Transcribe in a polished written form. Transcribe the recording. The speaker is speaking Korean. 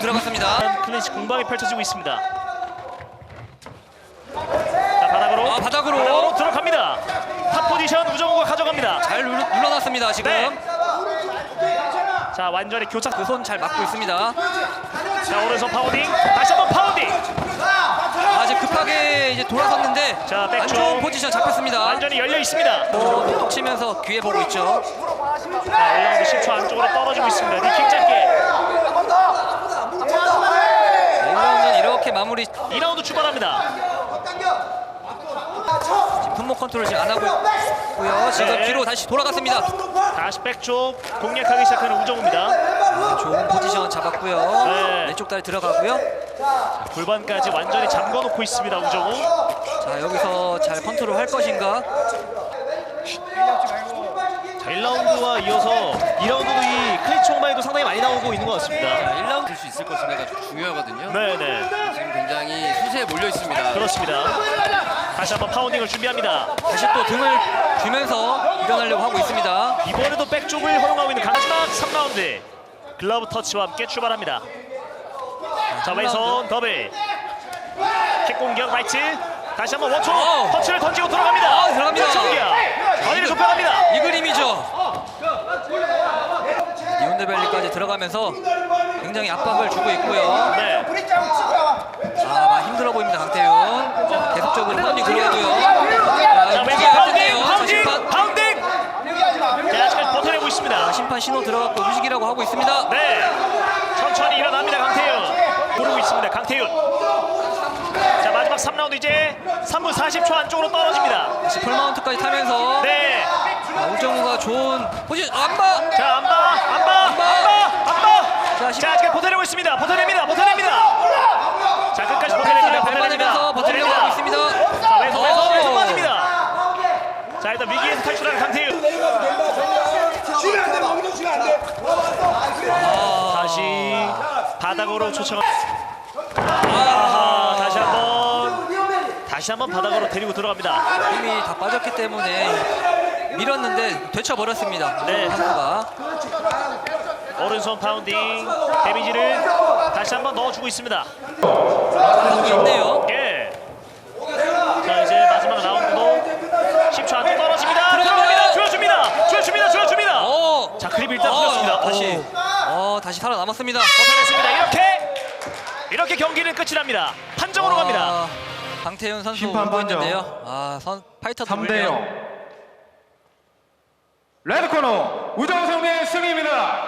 들어갔습니다. 클린치 공방이 펼쳐지고 있습니다. 자, 바닥으로 바닥으로 들어갑니다. 탑 포지션 우정우가 가져갑니다. 잘 눌러놨습니다 지금. 네. 자, 완전히 교착. 그 손 잘 막고 있습니다. 자, 오른손 파운딩. 다시 한번 파운딩. 지금 급하게 이제 돌아섰는데 자, 안 백쪽. 좋은 포지션 잡혔습니다. 완전히 열려 있습니다. 톡 치면서 귀에 보고 있죠. 자, 1라운드 10초 안쪽으로 떨어지고 있습니다. 니킥 짧게. 1라운드는 이렇게 마무리. 2라운드 출발합니다. 지금 품목 컨트롤 지금 안 하고 있고요. 지금 네. 뒤로 다시 돌아갔습니다. 다시 백쪽 공략하기 시작하는 우정우입니다. 좋은 포지션 잡았고요. 네. 왼쪽 다리 들어가고요. 골반까지 완전히 잠궈놓고 있습니다. 우정우. 자, 여기서 잘 컨트롤 할 것인가. 자, 1라운드와 이어서 2라운드도 이 클린치 홍마이도 상당히 많이 나오고 있는 것 같습니다. 1라운드 될 수 있을 것인가가 중요하거든요. 네네. 지금 굉장히 수세에 몰려 있습니다. 그렇습니다. 다시 한번 파운딩을 준비합니다. 다시 또 등을 주면서 일어나려고 하고 있습니다. 이번에도 백쪽을 허용하고 있는 마지막 3라운드. 글러브 터치와 함께 출발합니다. 자, 왼손 더블. 킥 공격 라이트. 다시 한번 원초 터치를 던지고 들어갑니다. 들어갑니다. 거리를 좁혀갑니다. 이 그림이죠. 니온데벨리까지 들어가면서 굉장히 압박을 주고 있고요. 네. 많이 힘들어 보입니다. 강태윤 계속적으로 파운딩 들어가고요. 자, 왼손 파운딩. 파운딩. 자, 아직까지 버텨내고 있습니다. 심판 신호 들어갔고 휴식이라고 하고 있습니다. 네. 천천히 일어납니다. 강태윤. 고르고 있습니다. 강태윤. 자, 마지막 3라운드 이제 3분 40초 안쪽으로 떨어집니다. 다시 풀마운트까지 타면서 네. 우정우가 좋은 포지션. 안바. 자, 안 봐. 자, 아직 버텨내고 있습니다. 버텨냅니다. 자, 끝까지 버텨냅니다. 밟아내면서 버티려고 하고 있습니다. 자, 왼손 빠집니다. 자, 일단 위기에서 탈출하는 강태윤. 다시 바닥으로 초청. 다시 한번 바닥으로 데리고 들어갑니다. 힘이 다 빠졌기 때문에 밀었는데 되쳐버렸습니다. 네. 선수가. 오른손 파운딩 데미지를 다시 한번 넣어주고 있습니다. 하고 있네요. 예. 자, 이제 마지막 라운드도 10초 안쪽 떨어집니다. 들어갑니다. 조여줍니다. 오. 자, 그립 일단 풀렸습니다. 다시 살아남았습니다. 버텨냈습니다. 이렇게 경기는 끝이 납니다. 판정으로 갑니다. 강태윤 선수 심판 울고 판정. 있는데요. 파이터도 3대 0. 레드 코너 우정성의 승리입니다.